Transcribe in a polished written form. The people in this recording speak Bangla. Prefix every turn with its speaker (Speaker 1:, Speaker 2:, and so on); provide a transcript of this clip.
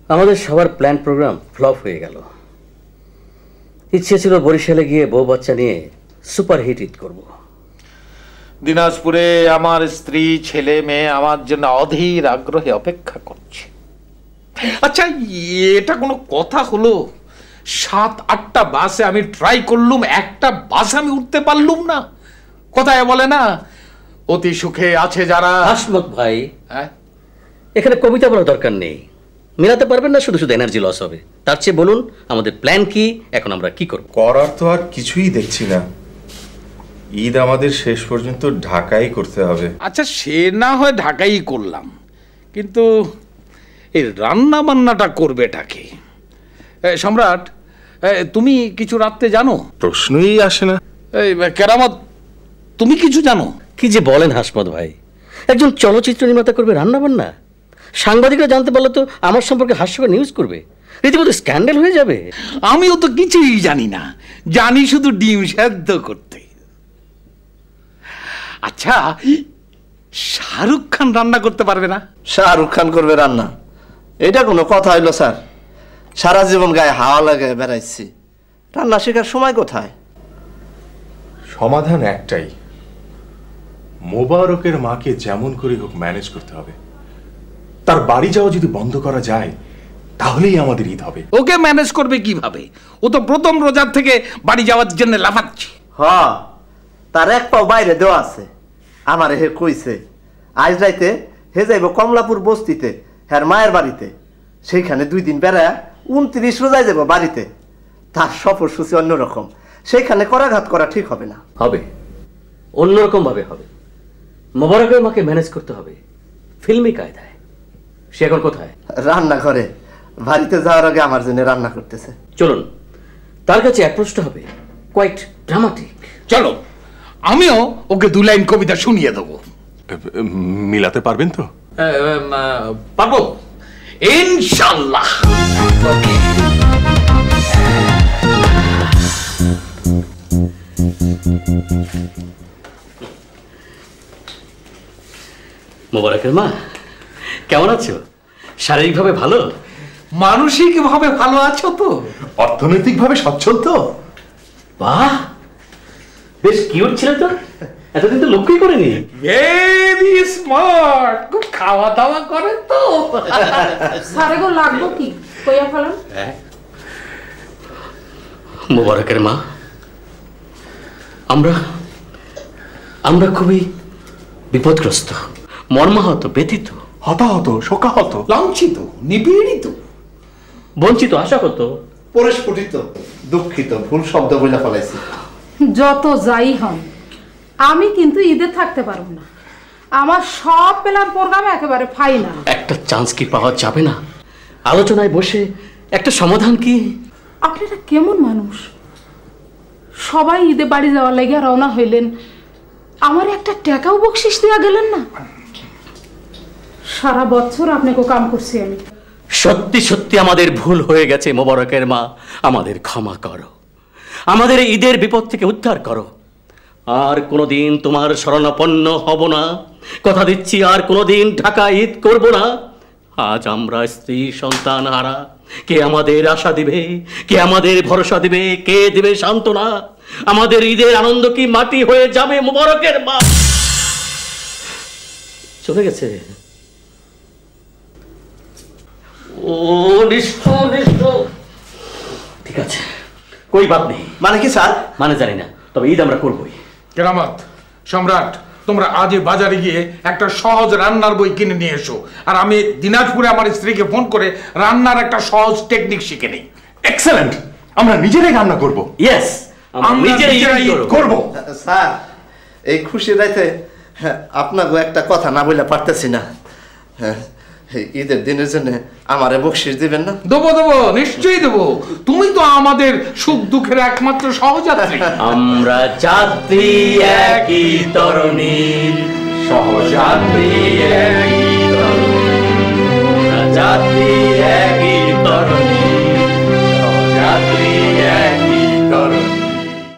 Speaker 1: আমাদের সবার প্ল্যান প্রোগ্রাম ফ্লপ হয়ে গেল। ইচ্ছে ছিল বরিশালে গিয়ে বউ বাচ্চা নিয়ে সুপারহিট ঈদ করব।
Speaker 2: দিনাজপুরে আমার স্ত্রী ছেলে মেয়ে আমার জন্য অধীর আগ্রহে অপেক্ষা করছে। আচ্ছা, এটা কোনো কথা হলো? 7-8টা বাসে আমি ট্রাই করলুম, একটা বাসে আমি উঠতে পারলুম না। কথায় বলে না, অতি সুখে আছে যারা।
Speaker 1: হাসমত ভাই, এখানে কবিতা বলার দরকার নেই। মেলাতে পারবেন না, শুধু শুধু এনার্জি লস হবে। তার চেয়ে বলুন আমাদের প্ল্যান কি, এখন আমরা কি করব?
Speaker 3: করার তো আর কিছুই দেখছি না। ঈদ আমাদের শেষ পর্যন্ত ঢাকাই করতে হবে।
Speaker 2: আচ্ছা, সে না হয় ঢাকাই করলাম, কিন্তু এই রান্না বান্নাটা করবেটা কে? সম্রাট, তুমি কিছু রাখতে জানো?
Speaker 3: প্রশ্নই আসে না।
Speaker 2: কেরামত, তুমি কিছু জানো?
Speaker 1: কি যে বলেন হাসমত ভাই, একজন চলচ্চিত্র নির্মাতা করবে রান্না বান্না? সাংবাদিকরা জানতে পারলে তো আমার সম্পর্কে হাস্যকর নিউজ করবে, রীতিমতো স্ক্যান্ডাল হয়ে যাবে।
Speaker 2: আমিও তো কিছুই জানি না, জানি শুধু ডিম সেদ্ধ করতে। আচ্ছা, শাহরুখ খান রান্না করতে পারবে না?
Speaker 4: শাহরুখ খান করবে রান্না? এটা কোনো কথা হইলো স্যার? সারা জীবন গায়ে হাওয়া লাগে বেড়াইছি, রান্না শেখার সময় কোথায়?
Speaker 3: সমাধান একটাই, মোবারকের মাকে যেমন করে হোক ম্যানেজ করতে হবে। তার বাড়ি যাওয়া যদি বন্ধ করা যায় তাহলেই আমাদের ঈদ হবে।
Speaker 2: ওকে ম্যানেজ করবে কিভাবে? ও তো প্রথম রোজার থেকে বাড়ি যাওয়ার জন্য লাফাচ্ছে।
Speaker 4: হ্যাঁ, তার এক পাও বাইরে দেওয়া আছে। আমার হে কইছে আজ রাইতে হে যাইব কমলাপুর বস্তিতে, হ্যার মায়ের বাড়িতে। সেইখানে 2 দিন বেড়ায় 29 রোজায় যাব বাড়িতে। তার সফরসূচি অন্যরকম, সেইখানে করাঘাত করা ঠিক হবে না।
Speaker 1: হবে, অন্যরকম ভাবে হবে। মোবারকের মাকে ম্যানেজ করতে হবে ফিল্মি কায়দায়। সে এখন কোথায়?
Speaker 4: রান্না করে, বাড়িতে যাওয়ার আগে আমার জন্য রান্না করতেছে।
Speaker 1: চলুন তার কাছে অ্যাপ্রোচটা হবে কোয়াইট ড্রামাটিক।
Speaker 2: চলো, আমিও ওকে 2 লাইন কবিতা শুনিয়ে দেবো।
Speaker 3: মিলাতে পারবেন তো?
Speaker 2: পারবো ইনশাআল্লাহ।
Speaker 1: মোবারকের মা কেমন আছো? শারীরিকভাবে ভালো?
Speaker 2: মানসিকভাবে ভালো আছো তো?
Speaker 3: অর্থনৈতিকভাবে সচ্ছল তো?
Speaker 1: বাহ, বেশ কিউট ছিল তো, এতদিন তো লক্ষ্যই করিনি।
Speaker 2: ভেরি স্মার্ট, খুব খাওয়া দাওয়া করে তো।
Speaker 5: সারে গো লাগবো কি কইয়া ফেলেন।
Speaker 1: মোবারকের মা, আমরা খুবই বিপদগ্রস্ত, মর্মাহত, ব্যথিত,
Speaker 3: হতাহত, শোকাহত,
Speaker 2: লাঞ্ছিত, নিপীড়িত,
Speaker 1: বঞ্চিত, আশাহত,
Speaker 4: পরিস্ফুটিত, দুঃখিত, ভুল শব্দ বলে ফেলাইছি।
Speaker 5: যত যাই হন, আমি কিন্তু ঈদে থাকতে পারবো না। আমার সব প্ল্যান প্রোগ্রাম একেবারে ফাইনাল।
Speaker 1: একটা চান্স কি পাওয়া যাবে না? আলোচনায় বসে একটা সমাধান কি?
Speaker 5: আপনারা কেমন মানুষ? সবাই ঈদে বাড়ি যাওয়ার লাগে রওনা হইলেন, আমার একটা টাকাও বকশিস দেওয়া গেলেন না। সারা বছর আপনাকে কাম করছি আমি।
Speaker 1: সত্যি সত্যি আমাদের ভুল হয়ে গেছে মোবারকের মা, আমাদের ক্ষমা করো, আমাদের ঈদের বিপদ থেকে উদ্ধার করো। আর কোনোদিন তোমার শরণাপন্ন হব না, কথা দিচ্ছি। আর কোনোদিন ঢাকা ঈদ করব না। আজ আমরা স্ত্রী সন্তান হারা, কে আমাদের আশা দিবে, কে আমাদের ভরসা দিবে, কে দিবে সান্ত্বনা? আমাদের ঈদের আনন্দ কি মাটি হয়ে যাবে মোবারকের মা? চলে গেছে। ও নিষ্ঠুর, নিষ্ঠুর। ঠিক আছে, কই বাদ নেই।
Speaker 4: মানে কি স্যার?
Speaker 1: মানে জানি না, তবে ঈদ আমরা করবই।
Speaker 2: কেরামত, সম্রাট, তোমরা আজই বাজারে গিয়ে একটা সহজ রান্নার বই কিনে নিয়ে এসো। আর আমি দিনাজপুরে আমার স্ত্রীকে ফোন করে রান্নার একটা সহজ টেকনিক শিখে নিই।
Speaker 3: এক্সেলেন্ট, আমরা নিজেরাই রান্না করব।
Speaker 1: ইয়েস, আমরা নিজেরাই
Speaker 3: করব।
Speaker 4: স্যার, এই খুশি রাইতে আপনাকে একটা কথা না বলে পারতেছি না। ঈদের দিনের জন্য আমারে বকশিস দিবেন না?
Speaker 2: দেবো দেবো, নিশ্চয়ই দেবো। তুমি তো আমাদের সুখ দুঃখের একমাত্র সহযাত্রী।
Speaker 1: আমরা যাত্রী একই তরণীর, সহযাত্রী একই তরণীর, যাত্রী একই